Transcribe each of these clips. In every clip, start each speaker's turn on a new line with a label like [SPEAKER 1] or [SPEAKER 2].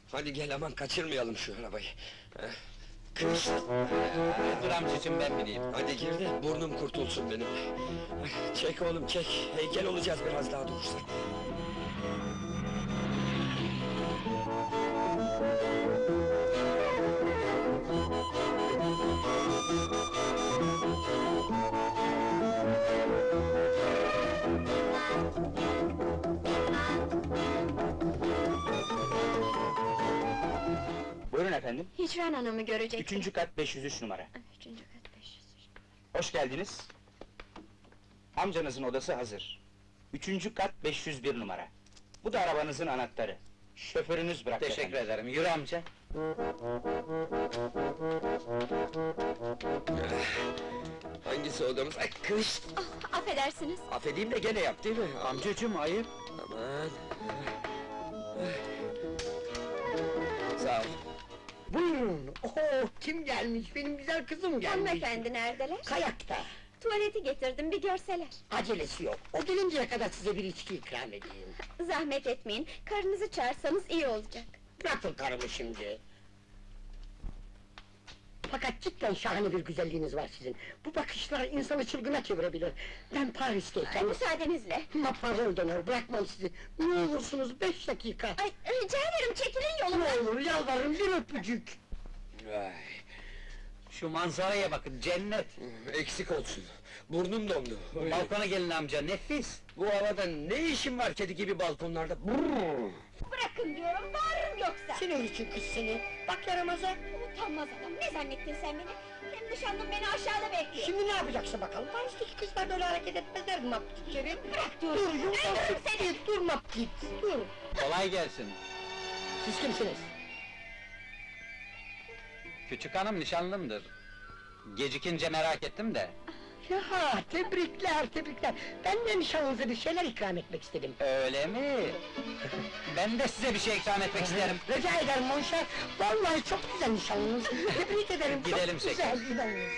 [SPEAKER 1] Hadi gel, aman kaçırmayalım şu arabayı. Kış!
[SPEAKER 2] Dur amcacığım, ben bineyim.
[SPEAKER 1] Hadi gir de burnum kurtulsun benim. Çek oğlum çek, heykel olacağız biraz daha durursak.
[SPEAKER 2] Buyurun efendim.
[SPEAKER 3] Hicran Hanım'ı görecektim.
[SPEAKER 2] 3. kat 503 numara.
[SPEAKER 3] 3. kat 500.
[SPEAKER 2] Hoş geldiniz. Amcanızın odası hazır. 3. kat 501 numara. Bu da arabanızın anahtarı. Şoförünüz bıraktı
[SPEAKER 4] Teşekkür
[SPEAKER 2] efendim.
[SPEAKER 4] ederim, yürü amca.
[SPEAKER 1] Hangisi odamız? Ay kış!
[SPEAKER 3] Ah, affedersiniz.
[SPEAKER 1] Affedeyim de gene yap değil mi?
[SPEAKER 2] Amcacığım, ayıp.
[SPEAKER 1] Aman! Sağ ol.
[SPEAKER 5] Buyurun! Oho, kim gelmiş? Benim güzel kızım gelmiş!
[SPEAKER 3] Hanımefendi neredeler?
[SPEAKER 5] Kayakta!
[SPEAKER 3] Tuvaleti getirdim, bir görseler.
[SPEAKER 5] Acelesi yok, o gelinceye kadar size bir içki ikram edeyim.
[SPEAKER 3] Zahmet etmeyin, karınızı çağırsanız iyi olacak.
[SPEAKER 5] Bırakın karımı şimdi! Fakat cidden şahane bir güzelliğiniz var sizin. Bu bakışlar insanı çılgına çevirebilir. Ben Paris'teyken...
[SPEAKER 3] Müsaadenizle.
[SPEAKER 5] Ma pardon, bırakmam sizi! Ne olursunuz 5 dakika!
[SPEAKER 3] Ay, rica ederim, çekilin yolumdan!
[SPEAKER 5] Ne olur yalvarırım, bir öpücük!
[SPEAKER 1] Vay!
[SPEAKER 4] Şu manzaraya bakın, cennet!
[SPEAKER 1] Eksik olsun, burnum dondu.
[SPEAKER 4] Balkona gelin amca, nefis!
[SPEAKER 1] Bu havada ne işin var kedi gibi balkonlarda? Brrr!
[SPEAKER 3] Bırakın diyorum, bağırırım yoksa!
[SPEAKER 5] Senin için kız seni! Bak yaramaza!
[SPEAKER 3] Utanmaz adam, ne zannettin sen beni? Hem nişanlım beni aşağıda bekliyor!
[SPEAKER 5] Şimdi ne yapacaksın bakalım? Paris'teki kızlar böyle hareket etmezler mi maptikleri?
[SPEAKER 3] Bırak diyorum!
[SPEAKER 5] Dur yumuşak!
[SPEAKER 3] Öldürürüm seni!
[SPEAKER 5] Dur maptik! Dur!
[SPEAKER 4] Kolay gelsin!
[SPEAKER 5] Siz kimsiniz?
[SPEAKER 4] Küçük hanım nişanlımdır. Gecikince merak ettim de.
[SPEAKER 5] Ya tebrikler, tebrikler! Ben de nişanlınıza bir şeyler ikram etmek istedim.
[SPEAKER 4] Öyle mi? Ben de size bir şey ikram etmek isterim.
[SPEAKER 5] Rica ederim Monşer! Vallahi çok güzel nişanlınız! Tebrik ederim,
[SPEAKER 4] Gidelim
[SPEAKER 5] çok güzel nişanlınız!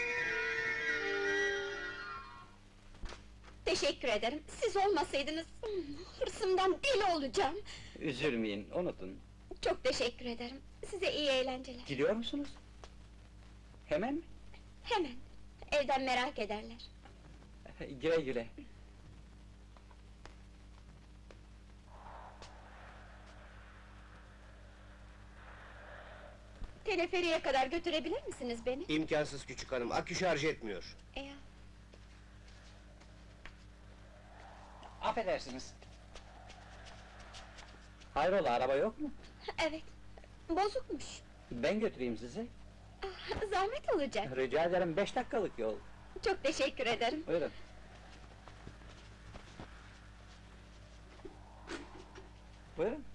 [SPEAKER 3] Teşekkür ederim, siz olmasaydınız... hırsımdan deli olacağım!
[SPEAKER 4] Üzülmeyin, unutun.
[SPEAKER 3] Çok teşekkür ederim, size iyi eğlenceler!
[SPEAKER 4] Gidiyor musunuz? Hemen mi?
[SPEAKER 3] Hemen, evden merak ederler!
[SPEAKER 4] Güle güle.
[SPEAKER 3] Teleferiye kadar götürebilir misiniz beni?
[SPEAKER 6] İmkansız küçük hanım, akü şarj etmiyor.
[SPEAKER 3] Ya,
[SPEAKER 4] Affedersiniz. Hayrola, araba yok mu?
[SPEAKER 3] evet, bozukmuş!
[SPEAKER 4] Ben götüreyim sizi.
[SPEAKER 3] Ah, zahmet olacak!
[SPEAKER 4] Rica ederim, 5 dakikalık yol.
[SPEAKER 3] Çok teşekkür ederim!
[SPEAKER 4] Buyurun. Buyurun.